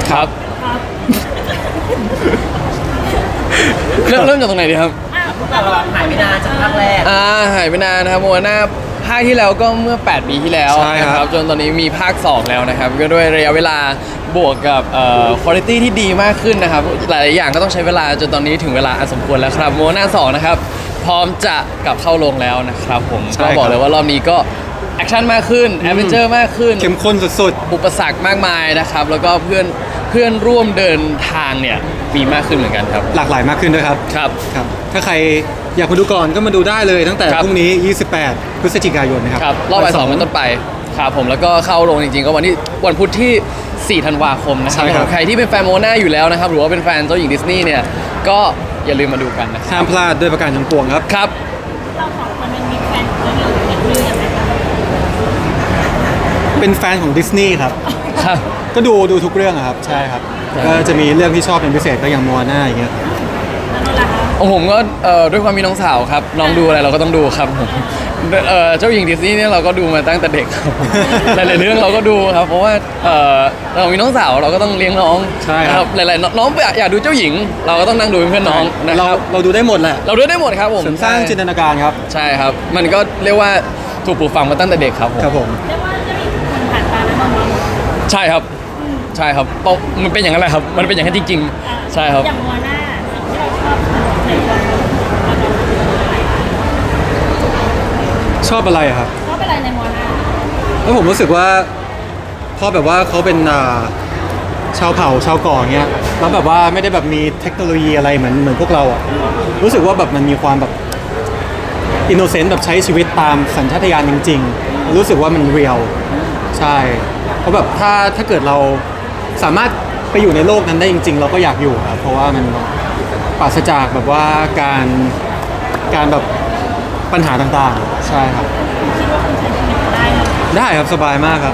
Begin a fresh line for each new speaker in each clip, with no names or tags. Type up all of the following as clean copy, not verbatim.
ครับ
ครับ
เริ่มจากตรงไหนดีครับ
แต่เราหายไปนานจากภาคแรก
หายไปนานนะครับโมนาภาคที่แล้วก็เมื่อ8 ปีที่แล้ว
ใช่ครับ
นะจนตอนนี้มีภาค 2 แล้วนะครับก็ด้วยระยะเวลาบวกกับคุณภาพที่ดีมากขึ้นนะครับหลายๆอย่างก็ต้องใช้เวลาจนตอนนี้ถึงเวลาอันสมควรแล้วครับโมนา2นะครับพร้อมจะกลับเข้าโรงแล้วนะครับผมก็บอกเลยว่ารอบนี้ก็แอคชั่นมากขึ้นแอดเวนเจอร์มากขึ้น
เข้มข้นสุด
อุปสรรคมากมายนะครับแล้วก็เพื่อนร่วมเดินทางเนี่ยมีมากขึ้นเหมือนกันครับ
ๆหลากหลายมากขึ้นด้วยครับ
ครับ
ครับ ถ้าใครอยากมาดูก่อนก็มาดูได้เลยตั้งแต่
ครับ
พรุ่งนี้ 28 พฤศจิกายนนะครับ
ครับรอบบ่าย 2เป็นต้นไปครับผมแล้วก็เข้าโรงจริงๆก็วันพุธที่ 4 ธันวาคมนะครั
ใช่ครับ
ใครที่เป็นแฟนโมนาอยู่แล้วนะครับหรือว่าเป็นแฟนเจ้าหญิงดิสนีย์เนี่ยก็อย่าลืมมาดูกันนะครับ
ห้ามพลาดด้วยประการทั้งปวงครับ
ครับ
เราสองคนมันมีแฟนของเราอยู่นิดนึงยังไงคะ
เป็นแฟนของดิสนีย์ครับ
ครับ
ก็ดูทุกเรื่องอะครับ ใช่ครับ ก็จะมีเรื่องที่ชอบเป็นพิเศษก็อย่างมัวหน้าอย่างเงี้ย
แล้วนั่นแหละคะ
ของผมก็ด้วยความมีน้องสาวครับน้องดูอะไรเราก็ต้องดูครับผมเจ้าหญิงดิสนีย์เนี่ยเราก็ดูมาตั้งแต่เด็กครับหลายๆเรื่องเราก็ดูครับเพราะว่าเรามีน้องสาวเราก็ต้องเลี้ยงน้อง
ใช่ครับ
หลายๆน้องอยากดูเจ้าหญิง เราก็ต้องนั่งดูเป็นเพื่อนน้องนะครับ
เราดูได้หมดแหละ
เราดูได้หมดครับผม
เสริมสร้างจินตนาการครับ
ใช่ครับ มันก็เรียกว่าถูกปลูกฝังมาตั้งแต่เด็กครับผม
ครับผม
เรียกว่าจะมีคนผ่านตาแล้วมอง
ใช่ครับใช่ครับต้องมันเป็นอย่างนั้นแหละครับ มันเป็นอย่างนั้นจริงๆใช่ครับ
อย่างมัวหน้าสิ่งที่เราชอบในตัวเรา
ชอบอะไรอะครับ
ชอบอะไรในมัวหน้า
แล้วผมรู้สึกว่าพอแบบว่าเขาเป็นชาวเผ่าชาวเก่อเงี้ยแล้วแบบว่าไม่ได้แบบมีเทคโนโลยีอะไรเหมือนพวกเราอ่ะรู้สึกว่าแบบมันมีความแบบอินโนเซนต์แบบใช้ชีวิตตามสัญชาตญาณจริงๆ รู้สึกว่ามันเรียลใช่เพราะแบบถ้าเกิดเราสามารถไปอยู่ในโลกนั้นได้จริง ๆ เราก็อยากอยู่ครับเพราะว่ามันปราศจากแบบว่าการแบบปัญหาต่างๆใช่ครับ
คิดว่าคุณใช้ชีวิตได้ไหม
ได้ครับสบายมากครับ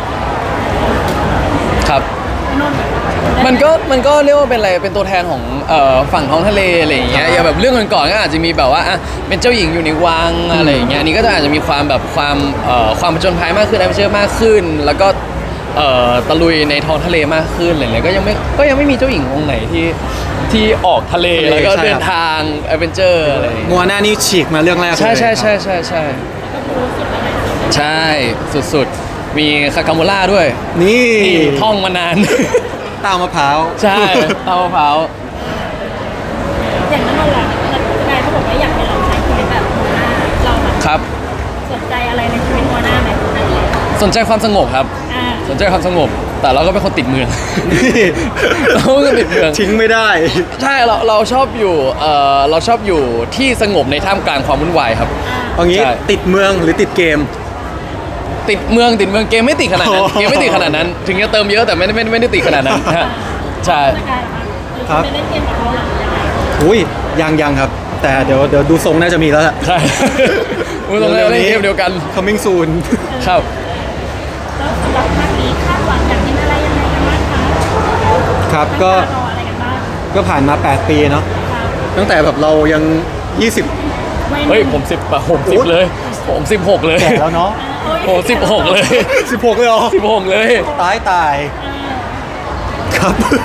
ครับ
นนท์
มันก็เรียกว่าเป็นอะไรเป็นตัวแทนของฝั่งท้องทะเลอะไรอย่างเงี้ยอย่างแบบเรื่องก่อนๆก็อาจจะมีแบบว่าเป็นเจ้าหญิงอยู่ในวังอะไรอย่างเงี้ยอันนี้ก็จะอาจจะมีความแบบความผจญภัยมากขึ้นแอดเวนเจอร์มากขึ้น แล้วก็ตะลุยในท้องทะเลมากขึ้นอะไรเลยก็ยังไม่มีเจ้าหญิงองค์ไหนที่ออกทะเลแล้วก็
ใช่ครับ
เดินทางแอดเวนเจอร์อะไรอย่างเงี้ย
มัวหน้านี่ฉีกมาเรื่องแรกเลย
ใช่ใช่
ครับ
ใช่ใช่ใช่ใช่สุดๆมีคาคาโมล่าด้วย
นี่
ที่ท่องมานาน
เต้ามะพร้าว
ใช่เต้ามะพร้าว
อย่างนั้นเรานายเขาบอกว่าอยากให้เราใช้ชีวิตแบบมัวหน้าเราแบบ
ครับ
สนใจอะไรในชีวิตมัวหน้าไหม
สนใจความสงบครับ สนใจความสงบ แต่เราก็เป็นคนติดเมือง เราก็ติดเมือง
ทิ้งไม่ได้
ใช่เราชอบอยู่เราชอบอยู่ที่สงบในท่ามกลางความวุ่นวายครับ
เอางี้
ใช่
ติดเมืองหรือติดเกม
ติดเมืองเกมไม่ติดขนาดนั้น
อ๋อ
เกมไม่ติดขนาดนั้น ถึงจะเติมเยอะแต่ไม่ได้ติดขนาดนั้นฮะใช่
สกายเหรอคะ
ครับ
ไปเล่นเกมกับเขาหรือยังไง
อุ้ยยังครับ แต่เดี๋ยวดูทรงน่าจะมีแล้วแหละ
ใช่ อุ้ยตรงนี้เล่นเกมเดียวกัน
coming soon
ครับ
แล้วสำหรับภาคนี้คาดหวังอยากกินอะไรยังไงกันบ้างคะ
ครับ
ตั้ง
ก็
ตารออะไรกันบ้าง
ก็ผ่านมา 8 ปีเนาะ
ครับ
ตั้งแต่แบบเรายัง 20
วัย
เฮ้ย
ห
ผ
นุ่
ม10เลยผม16เลย
แก่แล้วเนาะ
โอ้16เลย
16เลยเหรอ
16เลย
ตายครับ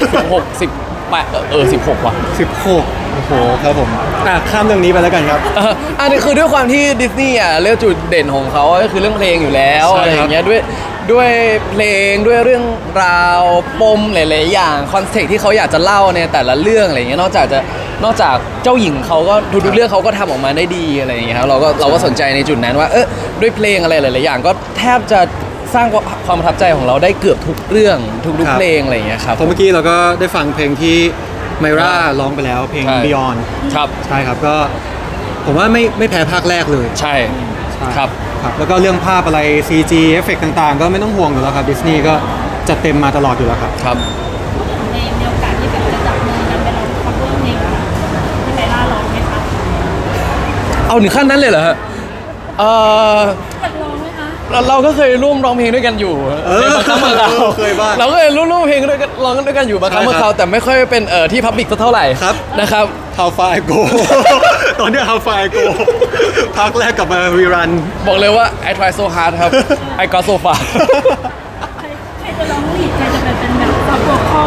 18 16ว่ะ
16โอ้โหครับผมข้ามเรื่องนี้ไปแล้วกันครับ
อันนี้คือด้วยความที่ดิสนีย์เรื่องจุดเด่นของเขาก็คือเรื่องเพลงอยู่แล้ว
ใช่ครับ
อะไรอย่างเงี้ยด้วยเพลงด้วยเรื่องราวปมหลายๆอย่างคอนเซ็ปต์ที่เขาอยากจะเล่าในแต่ละเรื่องอะไรอย่างเงี้ยนอกจากเจ้าหญิงเขาก็ทุกๆเรื่องเขาก็ทำออกมาได้ดีอะไรอย่างเงี้ยครับเราก็สนใจในจุดนั้นว่าด้วยเพลงอะไรหลายๆอย่างก็แทบจะสร้างความประทับใจของเราได้เกือบทุกเรื่องทุกๆเพลงอะไรอย่างเงี้ยครับ
เพราะเมื่อกี้เราก็ได้ฟังเพลงที่ไมร่าร้องไปแล้วเพลง
ใช่
Beyond
ครับ
ใช่ครับก็ผมว่าไม่แพ้ภาคแรกเลย
ใช่
ใช่
ครับ
ครับแล้วก็เรื่องภาพอะไร CG เอฟเฟกต์ต่างๆ ก็ไม่ต้องห่วงอยู่แล้วครับดิสนีย์ก็จัดเต็มมาตลอดอยู่แล้วครับ
ครับ
พูดถึงในโอกาสที่แบบจะจับมือกันไปร้องคัฟเวอร์เพลงอะที่ไมล่าร้องไหมคะ
เอาถึงขั้นนั้นเลยเหรอฮะ
อยากร้องไหมคะ
เราก็เคยร่วมร้องเพลงด้วยกันอยู่ในบางครั้งบางคราว
เคยบ้าง
เราก็เคยร่วมเพลงด้วยกันร้องด้วยกันอยู่บางครั้ง
ใช่
บาง
ครับ
คราวแต่ไม่ค่อยเป็นที่พับลิกสักเท่าไหร่
ครับ
นะครับ
How far I go ตอนเนี้ย How far I go ภาคแรกกลับมารีรัน
บอกเลยว่า I try so hard ครับ I got so far
ใครจะร้องลีดใครจะเป็นแบบซับโวคอล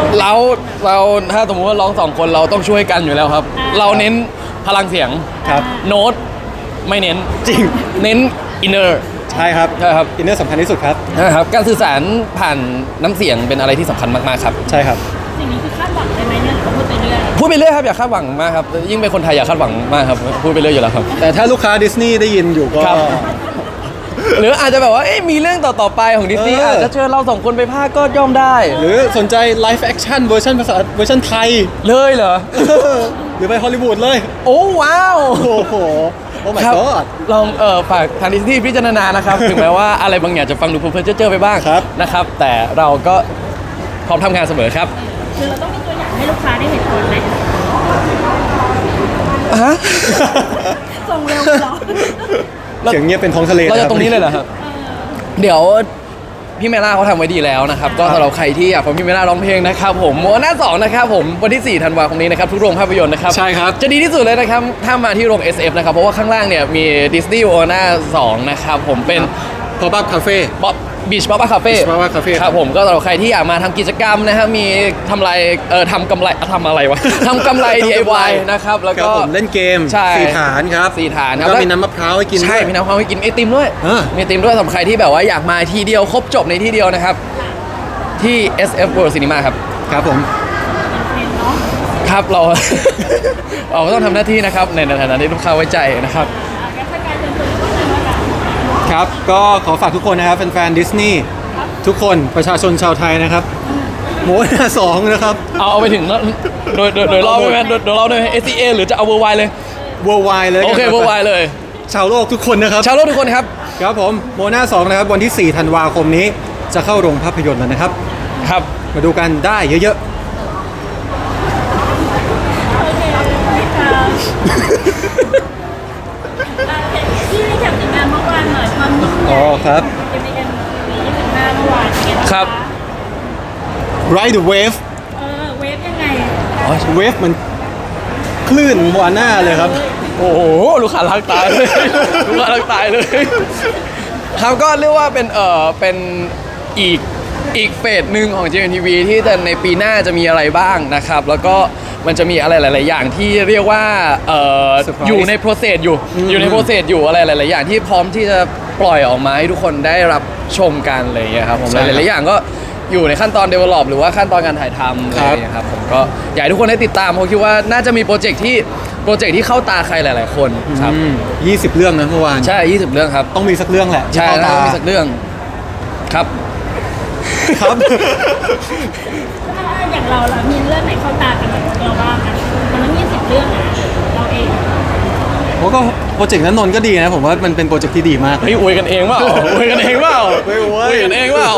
เราถ้าสมมติว่าร้องสองคนเราต้องช่วยกันอยู่แล้วครับ เราเน้นพลังเสียง
ครับ
โน้ตไม่เน้น
จริง
เน้นอินเนอร์
ใช่ครับ
ใช่ครับ
อินเนอร์สำคัญที่สุดครับ
นะครับการสื่อสารผ่านน้ำเสียงเป็นอะไรที่สำคัญมากๆครับ
ใช่ครับ
สิ่งนี้คือคาดหวังได้ไหมเนี่ยหรือว่าพูดไปเรื่อย
พูดไปเรื่อยครับอย่าคาดหวังมากครับยิ่งเป็นคนไทยอย่าคาดหวังมากครับพูดไปเรื่อยอยู่แล้วครับ
แต่ถ้าลูกค้าดิสนีย์ได้ยินอยู่ก็
ครับ หรืออาจจะแบบว่ามีเรื่องต่อๆไปของดิสนีย์
เอออ
อาจจะเชิญเราสองคนไปพากย์ก็ย่อมได้
หรือสนใจไลฟ์แอคชั่นเวอร์ชันภาษาเวอร์ชันไทย
เลยเหรอ
หรือไปฮอลลีวูดเลย
โอ้ว้าว
โอ้โห โอ้ my
ครับ
god
ลองฝากทางดิสนีย์พิจารณานะครับ ถึงแม้ว่าอะไรบางอย่างจะฟังดูเพ้อๆเจ้อๆไปบ้าง
ครับ
นะครับ แต่เราก็พร้อมทำงานเสมอครับ
ๆคือเราต้องมีตัวอย่างให้ลูกค้าได้เห็นก่อนไหม
ฮะ
ส่งเร็วเหรอ
เสียงเงียบเป็นท้องทะเล
เรา
ค
จะ
บ
ตรงนี้เลยเหรอครับ เดี๋ยวพี่เมล่าเขาทำไว้ดีแล้วนะครับ ก็สำหรับใครที่อยากฟังพี่เมล่าร้องเพลงนะครับผมโมนา2นะครับผมวันที่ 4 ธันวาคมนี้นะครับทุกโรงภาพยนตร์นะครับ
ใช่ครับ
จะดีที่สุดเลยนะครับถ้ามาที่โรง SF นะครับ เพราะว่าข้างล่างเนี่ยมีดิสนีย์โอนา2นะครับผมเป็น
พอปอัพคาเฟ่
บ๊อบบีชบ๊อบคาเฟ่
Beach Pop-up Cafe
ครับผมก็สำหรับใครที่อยากมาทำกิจกรรมนะครับมีทำไรทำกำไรทำอะไรวะ ทำกำไร DIY นะครับแล้ว
ครั
ก็
บผมเล่นเกม
ใช่
4 ฐานครับ
4 ฐานครับ
แล้วก็มีน้ำมะพร้าวให้กิน
ใช่
ด้วย
มีน้ำความให้กินไอติมด้วย
เออ
มีไอติมด้วยสำหรับใครที่แบบว่าอยากมาทีเดียวครบจบในที่เดียวนะครับ ที่ SF World Cinema ครับ
ครับผม
เป็นเนาะ
ครับเรา เราก็ต้องทำหน้าที่นะครับในฐานะที่ลูกค้าไว้ใจนะครับ
แกสกายเชิญชวนทุกคนเลยว่ากัน
ครับ ก็ขอฝากทุกคนนะครับแฟนๆดิสนีย์ทุกคนประชาชนชาวไทยนะครับโมนา2นะครับ
เอาไปถึงโดยรอบไหมโดยรอบเลย SCA หรือจะเอา Worldwide เลย
worldwide เลย
โอเค
กัน
Worldwide เลย
ชาวโลกทุกคนนะครับ
ชาวโลกทุกคนครับ
ครับผมโมนา2นะครับวันที่ 4 ธันวาคมนี้จะเข้าโรงภาพยนตร์แล้วนะครับ
ครับ
มาดูกันได้เยอะ
โอเคค่ะพี่รีแคปผลงานเมื่อวานหน่อยความยิ่งให
อ๋
ญ่
อครับ
จะมีกัน25เมื่อวานเป็นไงางะ
ครับ
ๆ Ride the Wave
เวฟยังไง
Wave มันคลื่นวาน่าเลยครับ
โอ้โหลูกค้ารักตายเลย ลูกค้ารักตายเลยครับก็เรียกว่าเป็นอีกเฟสหนึ่งของ JMTV ที่จะในปีหน้าจะมีอะไรบ้างนะครับ แล้วก็มันจะมีอะไรหลาย ๆ อย่างที่เรียกว่า
Surprise
อยู่ใน process อยู่ใน process อยู่อะไรหลาย ๆ อย่างที่พร้อมที่จะปล่อยออกมาให้ทุกคนได้รับชมกันอะไรอย่างเงี้ยครับผม
ใช่
ห
ครับ
ลาย ๆ อย่างก็อยู่ในขั้นตอน develop หรือว่าขั้นตอนการถ่ายทำอะไรอย่างเงี้ยครับผมก็อยากให้ทุกคนได้ติดตามเพราะคิดว่าน่าจะมีโปรเจกต์ที่เข้าตาใครหลาย ๆ คนครับ
20 เรื่องนะเมื่อวาน
ใช่ 20 เรื่องครับ
ต้องมีสักเรื่องแหละที่
ใช่
เข้า
แล้
ตาว
มีสักเรื่องครับ
ครับ
อย่างเราล่ะมีเรื่องไหนเข้าตากันเราบ้างอ่ะมันต้อง20เรื่องอ่ะเราเอง
โอ้ก็โปรเจกต์นั้นนนท์ก็ดีนะผมว่ามันเป็นโปรเจกต์ที่ดีมาก
เฮ้ยอวยกันเองเปล่าอวยกันเองเปล่า
ไม่อวย
อวยกันเองเปล่า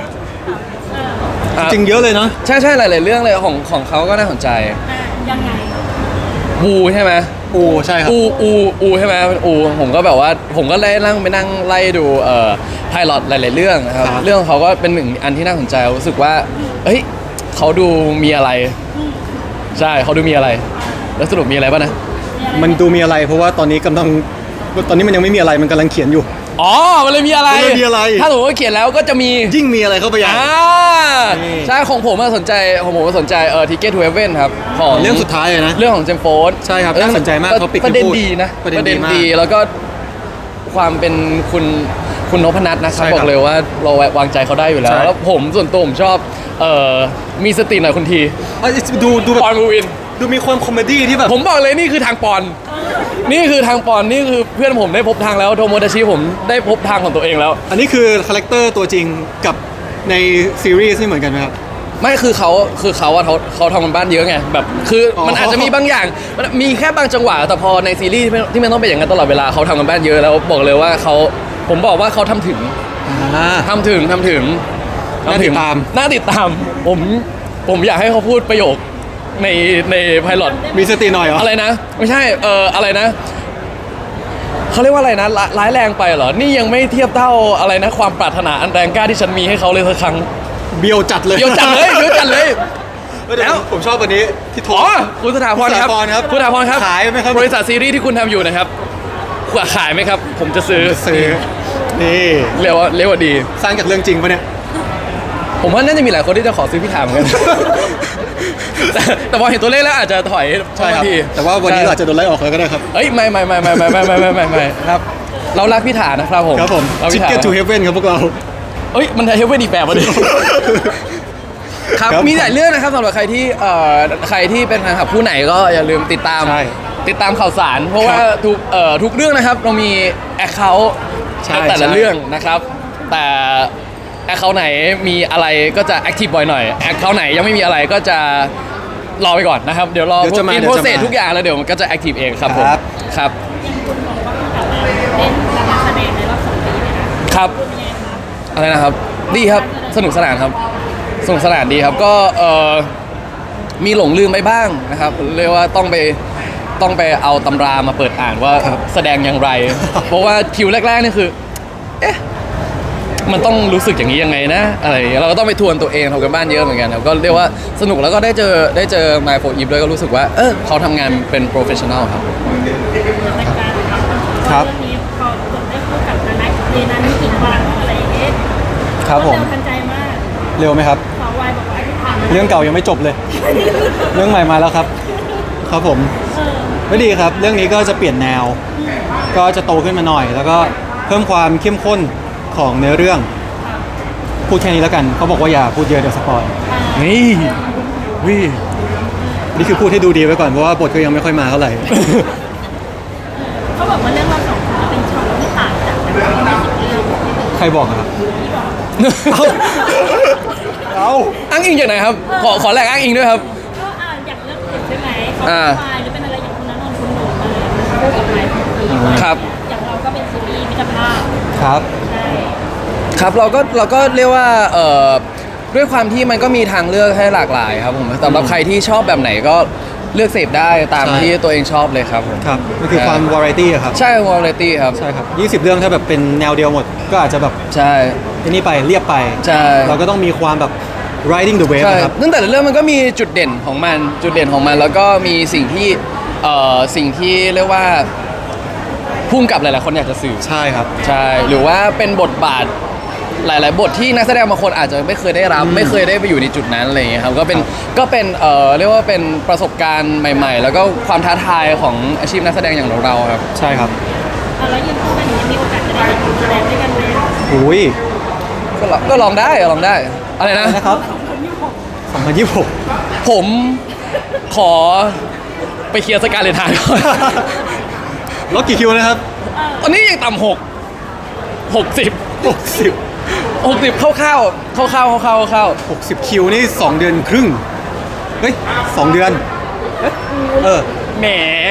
จริงๆเยอะเลยเนาะ
ใช่หลาย ๆ เรื่องเลยของเขาก็น่าสนใจ
ยังไง
อูใช่ไหม
ใช่ครับ
อูใช่ไหมอูผมก็แบบว่าผมก็ได้นั่งไปนั่งไล่ดูไพลอตหลาย ๆ เรื่องนะครับ
ครับ
เรื่องของเขาก็เป็นหนึ่งอันที่น่าสนใจรู้สึกว่าเฮ้ยเขาดูมีอะไร ใช่เขาดูมีอะไร แล้วสรุปมีอะไรป่ะนะ
มันดูมีอะไร เพราะว่าตอนนี้มันยังไม่มีอะไรมันกำลังเขียนอยู่
อ๋อมันเลยมีอะไร
มันเลยมีอะไร
ถ้าสมมติว่าเขียนแล้วก็จะมี
ยิ่งมีอะไรเข้าไปใหญ่ นี่
ใช่ของผมสนใจTicket to Heaven ครับของ
เรื่องสุดท้ายเลยนะ
เรื่องของเจมส์โฟร์ด
ใช่ครับน่าสนใจมากเขาปิด
ประเด็น
พูด
ดีนะ
ประเด็นดีมาก
แล้วก็ความเป็นคุณนพนัทนะครับ
ใช่ครับ
บอกเลยว่าเราวางใจเขาได้อยู่แล้ว
ใช่
แล้วผมส่วนตัวผมชอบมีสติหน่อยคุณที
ดูแบบ
ปอนมูวิน
ดูมีความคอมเมดี้ที่แบบ
ผมบอกเลยนี่คือทางปอน นี่คือทางปอนนี่คือเพื่อนผมได้พบทางแล้วโทโมดาชิผมได้พบทางของตัวเองแล้ว
อันนี้คือคาแรคเตอร์ตัวจริงกับในซีรีส์นี่เหมือนกันไหมครับ
ไม่คือเขาทำกันบ้านเยอะไงแบบคืออ
อ
มันอาจจะมีบางอย่างมันมีแค่บางจังหวะแต่พอในซีรีส์ที่มันต้องเป็นอย่างนั้นตลอดเวลาเขาทำกันบ้านเยอะแล้วบอกเลยว่าผมบอกว่าเขาทำถึง ทำถึง
น่าติดตาม
น่าติดตาม ผมอยากให้เขาพูดประโยคในไพลอต
มีสติหน่อยเหรอ
อะไรนะ ไม่ใช่อะไรนะเขาเรียกว่าอะไรนะร้ายแรงไปเหรอนี่ยังไม่เทียบเท่าอะไรนะความปรารถนาอันแรงกล้าที่ฉันมีให้เขาเลยสักครั้ง
เบียวจัดเลย
เดี๋ยวจัดเลย
แล้วผมชอบวันนี้ที่โทร
อ๋อคุณสถาพรครับ
คุณสถาพรครับ
ขายไหมครับ
ขายไหมครับ
บริษัทซีรีส์ที่คุณทำอยู่นะครับขายไหมครับ ผมจะซื้อ
ซื้อนี่
เรียกว่าดี
สร้างจากเรื่องจริงปะเนี่ย
ผมว่าน่าจะมีหลายคนที่จะขอซื้อพี่ถามเหมือนกัน แต่พอเห็นตัวเลขแล้วอาจจะถอย
ใช่ครับ
ที
แต่ว่าวันนี้เราอาจจะโดนไล่ออกแล้วก็ได้ครับ
เอ้ยไม่ครับเรารักพี่ถานะครับผม
ครับผม
เราพี่ถา
Ticket to Heaven ครับพวกเรา
เอ้ยมันเฮเว่นอีกแบบมาดิ ครับ
ครับ
มีหลายเรื่องนะครับสำหรับใครที่ใครที่เป็นแฟนคลับผู้ไหนก็อย่าลืมติดตาม
ใช่
ติดตามข่าวสาร เพราะว่า
ครับ
ทุกเรื่องนะครับเรามีแอคเคาท์
ใช่
แต่ละ
ใช่
เรื่องนะครับ แต่แอคเคาท์ไหนมีอะไรก็จะแอคทีฟบ่อยหน่อยแอคเคาท์ไหนยังไม่มีอะไรก็จะรอไปก่อนนะครับเดี๋ยวรอ
เดี๋ยวจะมา
อินโพสเซสทุกอย่างแล้วเดี๋ยวมันก็จะแอคทีฟเองครับผม
ครับ
ครับ
ยังคุณบอกว่าคุณกลับมาเล่นการแสดงในรอบ2 ปีเลยนะครับ เป็นยังไงคะ
อะไรนะครับดีครับสนุกสนานครับสนุกสนานดีครับก็มีหลงลืมไปบ้างนะครับเรียกว่าต้องไปเอาตำรามาเปิดอ่านว่า
ครับ
แสดงอย่างไร เพราะว่าคิวแรกๆนี่คือ เอ๊ะมันต้องรู้สึกอย่างนี้ยังไงนะอะไรอย่างเงี้ยเราก็ต้องไปทวนตัวเองทำกันบ้านเยอะเหมือนกันครับก็เรียกว่าสนุกแล้วก็ได้เจอไมโฟอีฟด้วยก็รู้สึกว่าเขาทำงานเป็นโปรเฟชชั่นอลครับ
รายการนะครับ
ครับ
เรื่องนี้พอจบได้คู่กับนานักเรนันนี่กี่วันอะไรอย่างเงี้ย
ครับผม
เร็วทันใจมาก
เร็วไหมครับ
สาววายบอกว่าที่ผ่านมา
เรื่องเก่ายังไม่จบเลย เรื่องใหม่มาแล้วครับ ครับผม ไม่ดีครับ เรื่องนี้ก็จะเปลี่ยนแนว ก็จะโตขึ้นมาหน่อย แล้วก็เพิ่มความเข้มข้นของเนื้อเรื่อง พูดแค่นี้แล้วกัน เขาบอกว่าอย่าพูดเยอะเดี๋ยวสปอย
นี่วิ
นี่คือพูดให้ดูดีไว้ก่อนเพราะว่าบทก็ยังไม่ค่อยมาเท่าไหร่
เขาบอกว่าเรื่องเราสองคนเป็นช่องที่ต่างจากแบบไม่สิบเรื่อง
ใครบอกอะครับ เอา
อ้างอิงจากไหนครับขอแหลกอ้างอิงด้วยครับ
ก็อย่างเรื่องอื่นใช่ไหมเขา
อ่า
เป็นวายหรือเป็นอะไรอย่างคุณนันนนท์คุณหนูมาคู่กับไม้คู่อีก
ครับ
อย่างเราก็เป็นซีรีส์มิตรภาพ
ครับ
ใช่
ครับเราก็เรียกว่าด้วยความที่มันก็มีทางเลือกให้หลากหลายครับผมสำหรับใครที่ชอบแบบไหนก็เลือกเสพได้ตาม
ใช่
ที่ตัวเองชอบเลยครับผม
ครับมันคือความวาไรตี้อะครับ
ใช่วาไรตี้ครับ
ใช่ครับ 20 เรื่องถ้าแบบเป็นแนวเดียวหมด ก็อาจจะแบบ
ใช่
อันนี้ไปเรียบไป
ใช่
เราก็ต้องมีความแบบ riding the wave
ใช่
นะครับ
ซึ่งแต่ละเรื่องมันก็มีจุดเด่นของมันแล้วก็มีสิ่งที่เรียกว่าพุ่งกับหลายๆคนอยากจะสื่อ
ใช่ครับ
ใช่หรือว่าเป็นบทบาทหลาย ๆ บทที่นักแสดงบางคนอาจจะไม่เคยได้รับ ไม่เคยได้ไปอยู่ในจุดนั้นอะไรอย่างเงี้ยครับก็เป็นเรียกว่าเป็นประสบการณ์ใหม่ ๆ แล้วก็ความท้าทายของอาชีพนักแสดงอย่างเราๆครับ
ใช่ครับ
แล้วยืนคู่กันอย่างนี้มีโอกาสจะได้เห็นแสดงด้วยกันไหม
อุ้ย
ก็ลองได้อะไรนะ
นะครับ2026
ผมขอไปเคลียร์สการเลนทานก่อน
ลดกี่คิวนะครับ
ตอนนี้ยังต่ำ60
60
คร่าวๆ
60 คิวนี่ 2 เดือนครึ่ง เฮ้ย 2 เดือน เออ
แหม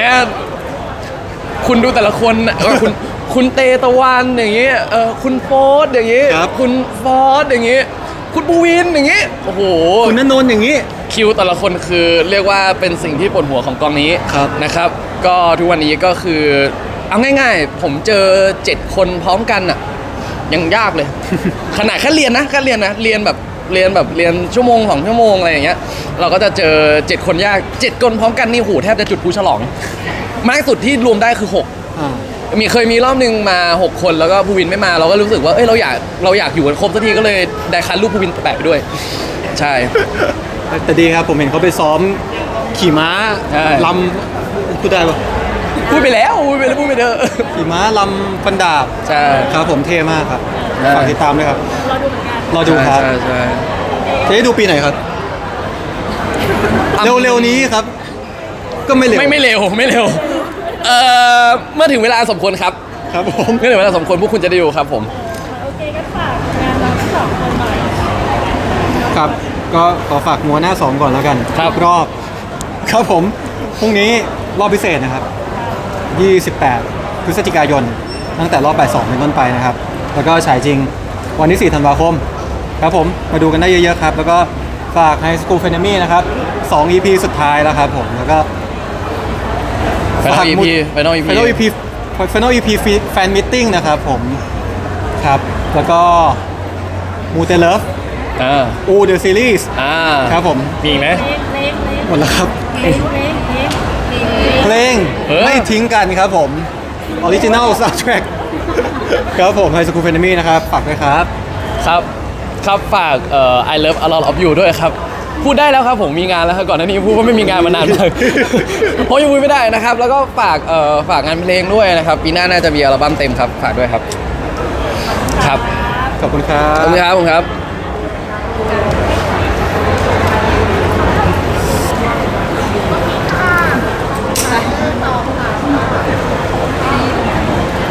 คุณดูแต่ละคนน่ะคุณเตตะวันอย่างงี้คุณโฟสอย่างงี้
ครับ
คุณฟอสอย่างงี้ คุณปูวินอย่างงี้ โอ้โห
คุณณนนท์อย่างนี้
คิวแต่ละคนคือเรียกว่าเป็นสิ่งที่ปวดหัวของกองนี้
ครับ
นะครับ ก็ทุกวันนี้ก็คือเอาง่ายๆ ผมเจอ 7 คนพร้อมกันอ่ะยังยากเลย ขนาดแค่เรียนเรียนชั่วโมง2 ชั่วโมงอะไรอย่างเงี้ยเราก็จะเจอ 7 คนยาก 7 คนพร้อมกันนี่โหแทบจะจุดพลุฉลอง มากสุดที่รวมได้คือ 6
อ่า
เคยมีรอบหนึงมา 6 คนแล้วก็ภูวินไม่มาเราก็รู้สึกว่าเอ้ยเราอยากอยู่กันครบสักทีก็เลยได้คันรูปภูวินแปะไปด้วย ใช่
แต่ดีครับ ผมเห็นเขาไปซ้อมขี่ม้า
ใช่
ลำพูดได้ปะ
พูดไปแล้วพูดไปเถอะ
ขี่ม้าลำฟันดาบ
ใช่
ครับผมเท่มากครับ
ใช่
ฝากติดตามด้วยครับ
รอดูเหมือนกัน
รอดูครับ
ใช่
จะได้ดูปีไหนครับ เร็วๆนี้ครับ ก็ไม่เร็ว
ไม่เร็วเมื่อถึงเวลาสมควรครับ
ครับผม
เมื่อถึงเวลาสมควรพวกคุณจะได้ดูครับผม
โอเคก็ฝากงานเราทั้งสองคนหน่อย
ครับ ก็ขอฝากมัวหน้า 2 ก่อนแล้วกัน
ครับ
รอบ ครับผม พรุ่งนี้รอบพิเศษนะครับ 28 พฤศจิกายน ตั้งแต่รอบบ่าย 2 เป็นต้นไปนะครับ แล้วก็ฉายจริงวันที่ 4 ธันวาคม ครับผม มาดูกันได้เยอะๆครับ แล้วก็ฝาก High School f r e n e m y นะครับ 2 EP สุดท้ายแล้วครับผม แล้วก็
Final EP Final EP
Final EP Fan Meeting นะครับผม ครับ แล้วก็มูเตเลิฟ อูเดอะซีรีส์ ครับผม
มีอีกไหม
เล็ก
หมดแล้วครับ เพลง
เออ
ไม่ทิ้งกันครับผม Original Soundtrack ครับผม High School f r e n e m y นะครับ ฝากด้วยครับ
ครับครับฝากI love a lot of you ด้วยครับ พูดได้แล้วครับผมมีงานแล้วครับก่อนหน้านี้พูดว่าไม่มีงานมานานมาก เพราะยังพูดไม่ได้นะครับ แล้วก็ฝากงานเพลงด้วยนะครับ ปีหน้าน่าจะมีอัลบั้มเต็มครับ ฝากด้วยครับ ครับ
ขอบคุณครั
ข
บ
อบคุณครับผมครับ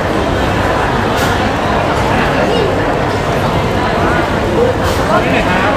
ขอบคุณครับ